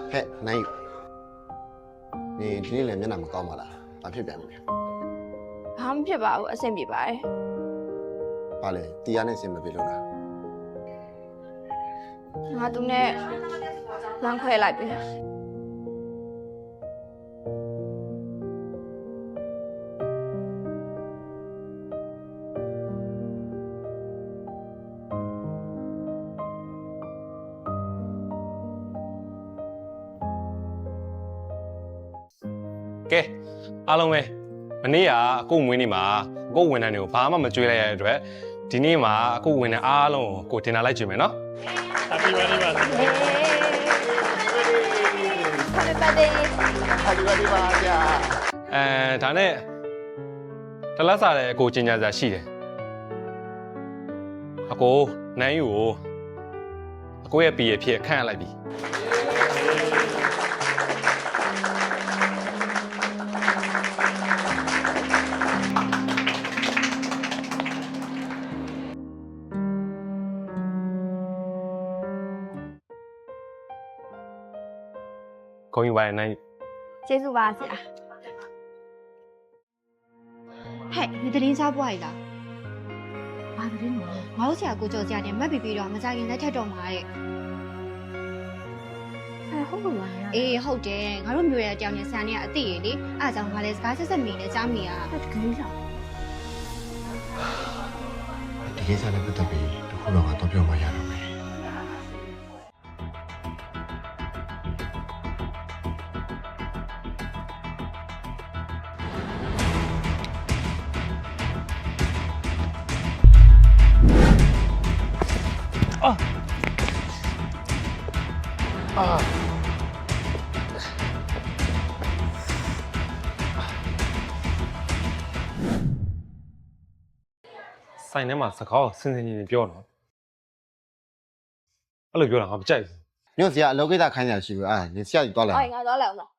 ဟဲ့နိုင်နေဒီနေ့လည်းမျက်နှာမကောင်းပါလားဘာဖြစ်ပြန်ပြီလဲဘာမှဖြစ်ပါဘူးအဆင်ပြေပါတယ်ဘာလဲတရားနဲ့စင်မပြေလို့လားငါသူနဲ့လမ်းခွဲလိုက်ပြီကဲအားလုံးပဲမနေ့ကအခုမွေးနေ့မှာအခုဝန်ထမ်းတွေကိုဘာမှမကြွေးလိုက်ရတဲ့အတွက်ဒီနေ့မှာအခုဝန်ထမ်းအားလုံးကိုတင်လာလိုက်ကြွေးမယ်နော် Happy birthday ပါ Happy birthday ဟာဒီပါဒီပါကြာဒါနဲ့တလက်စားတဲ့အကိုကျင်ညာစာရှိတယ်အကိုနိုင်ယူကိုအကိုရဲ့ပြည်ရဲ့ဖြစ်ခန့်ရလိုက်ပြီကိုယူပါရဲ့နိုင်ကျေးဇူးပါဆရာဟဲ့ဒီသတင်းစားပွားရည်လားဘာသတင်းလဲငါတို့ဆရာကိုကြော်စရာနဲ့မက်ပြီးပြီးတော့မကြခင်လက်ထက်တော့မှာတဲ့ဟုတ်ပါလားအေးဟုတ်တယ်ငါတို့မျိုးရဲ့အကြောင်းနဲ့ဆန်နေကအသိရလေအားကြောင့်ငါလည်းစကားဆက်ဆက်မိနေကြားမိရတကယ်လားဒီကိစ္စနဲ့ပတ်သက်ပြီးတခုတော့ကတော့ပြောမှရတော့မယ်ဆိုင်ထဲမှာစကားကိုစင်စင်ကြီးပြောတော့အဲ့လိုပြောတာငါမကြိုက်ဘူးညွန့်ဆရာအလုပ်ကိစ္စခိုင်းရရှိဘူးအာနေဆရာကြီးတွားလိုက်ငါသွားလိုက်အောင်